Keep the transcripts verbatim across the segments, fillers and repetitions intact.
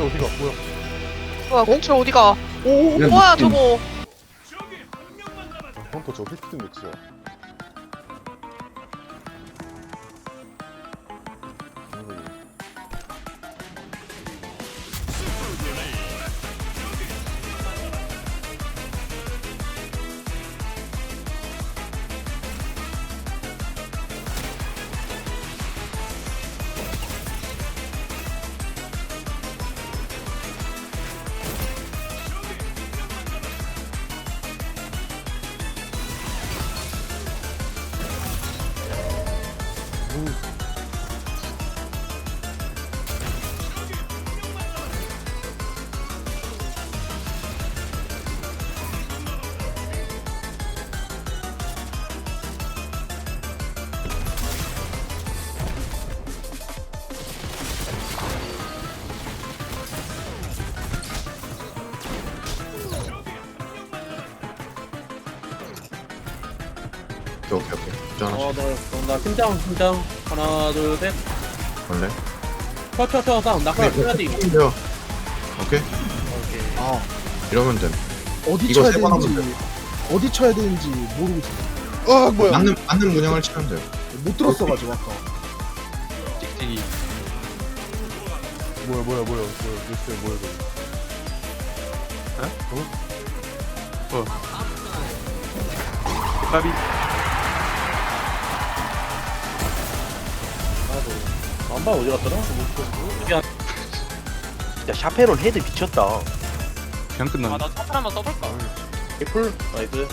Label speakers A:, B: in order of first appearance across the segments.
A: 어디가 뭐야?
B: 뭐야 공철 어디가?
C: 오,
D: 야,
B: 뭐야
D: 미친.
B: 저거?
A: 헌터 저 히트 매치야.
D: 오케이 오케이 오케이. 저 하나
C: 어, 너, 나 팀장, 팀장. 하나, 둘, 셋.
D: 원래.
C: 쳐, 쳐, 쳐, 다운. 나 그냥 쳐야 돼.
D: 힘들어. 오케이.
E: 아
D: 이러면 돼.
E: 어디
D: 이거
E: 쳐야
D: 세번 하면
E: 되는지 어디 쳐야 되는지 모르고 있어. 아 뭐야?
D: 맞는 맞는 문양을 치면 돼요.
E: 못 들었어가지고 아까.
A: 찍찍이. 뭐야 뭐야 뭐야 뭐야 글쎄 뭐야 이거.
F: 까비.
C: 안봐 어디 갔더라?
G: 야 샤페론 헤드 미쳤다.
F: 그냥 끝났네.
B: 아나 차팔 한번 써볼까?
C: 개풀. 나이스.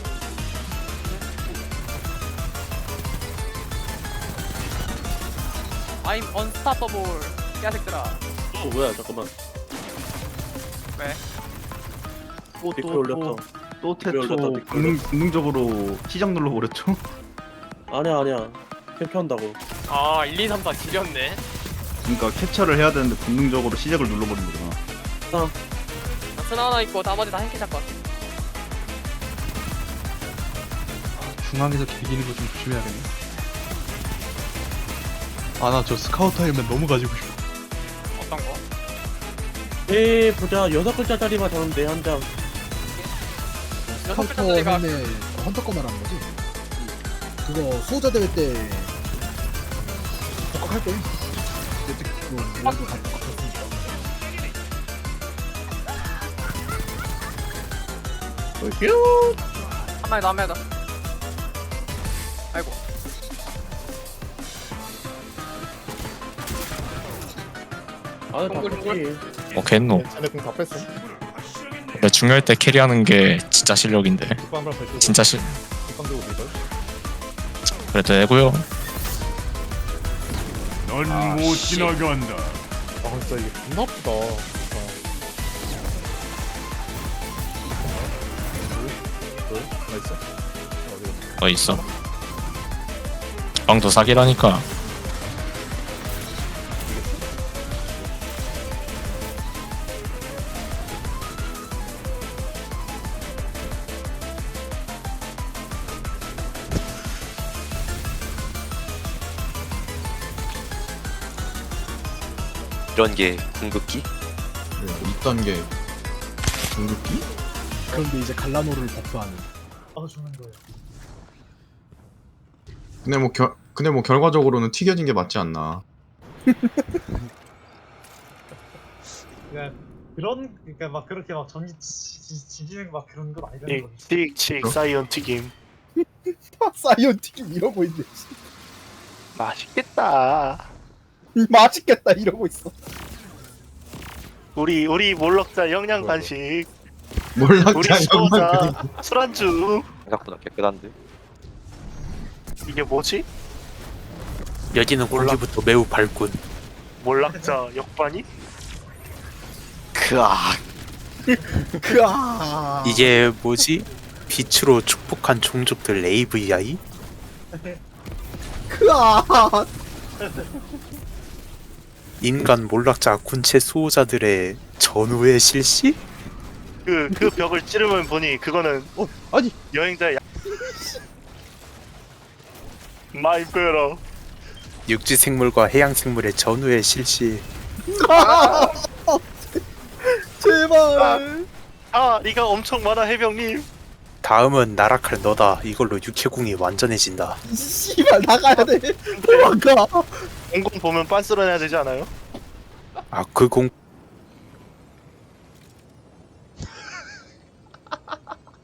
B: I'm unstoppable. 야색들아.
C: 어, 뭐야, 잠깐만.
B: 왜?
C: 또, 댓글 올렸어.
F: 또
C: 댓글 올렸다,
F: 태초
C: 댓글
F: 본능, 본능적으로 시작 눌러버렸죠?
C: 아니야, 아니야. 캠프한다고.
B: 아 일, 이, 삼, 사 지렸네.
F: 그러니까 캡처를 해야 되는데 본능적으로 시작을 눌러버린 거구나.
B: 스나 하나 있고 나머지 다 행키 잡고.
H: 중앙에서 비기는 거 좀 조심해야겠네. 아 나 저 스카우터 헬멧 너무 가지고 싶어.
B: 어떤 거?
C: 에이, 보자. 여섯 글자짜리만 잡는데, 한 장.
B: 여섯
E: 헌터
B: 글자짜리가
E: 헬멧 헌터 거 말하는 거지? 그거 수호자 대회 때 복학할 때 그때 그거 우리도 다 복학했으니까.
B: 한 마리 더, 한 마리 더. 아이고.
C: 아, 다
B: 동글,
C: 컸지.
I: 뭐 겠노.
A: 쟤네 공다 뺐어.
I: 근데 중요할 때 캐리하는 게 진짜 실력인데.
A: 뒷방 한번 밟고.
I: 진짜 실
A: 뒷방 들고 밀걸.
I: 그래도 되고요.
F: 넌 못 지나간다.
A: 아 진짜 이게 존나 아프다. 진짜. 왜? 나 있어? 어디?
I: 어 있어. 방도 사기라니까.
G: 이런 게 궁극기?
D: 네, 이 단계 중급기?
E: 그런데 이제 갈라노를 버프하는.
A: 아 죽는 거야.
D: 근데 뭐 결, 근데 뭐 결과적으로는 튀겨진 게 맞지 않나.
J: 그러니까 그런 그러니까 막 그렇게 막 전지 지지는 막 그런 건 아니라는 거지.
G: 틱틱
D: 어?
G: 사이언 튀김.
E: 사이언 튀김 이러고 있네.
G: 맛있겠다.
E: 맛있겠다 이러고 있어.
G: 우리 우리 몰럭자 영양 간식.
D: 몰락자
G: 우리
D: 양말
G: 수호자 술안주. 생각보다 깨끗한데. 이게 뭐지?
K: 여기는 공기부터 매우 밝군.
G: 몰락자 역반이? 크악.
E: 그아.
K: 이게 뭐지? 빛으로 축복한 종족들 에이브이아이?
E: 그아.
K: 인간 몰락자 군체 수호자들의 전후의 실시?
G: 그, 그 벽을 찌르면 보니 그거는
E: 어 아니
G: 여행자의 야... 마이 베러.
K: 육지 생물과 해양 생물의 전후의 실시.
E: 제발.
G: 아 리가 엄청 많아 해병님.
K: 다음은 나락할 너다. 이걸로 육해공이 완전해진다.
E: 씨발 나가야 돼. 도망가.
G: 공공 보면 빤스러내야 되지 않아요?
K: 아 그 공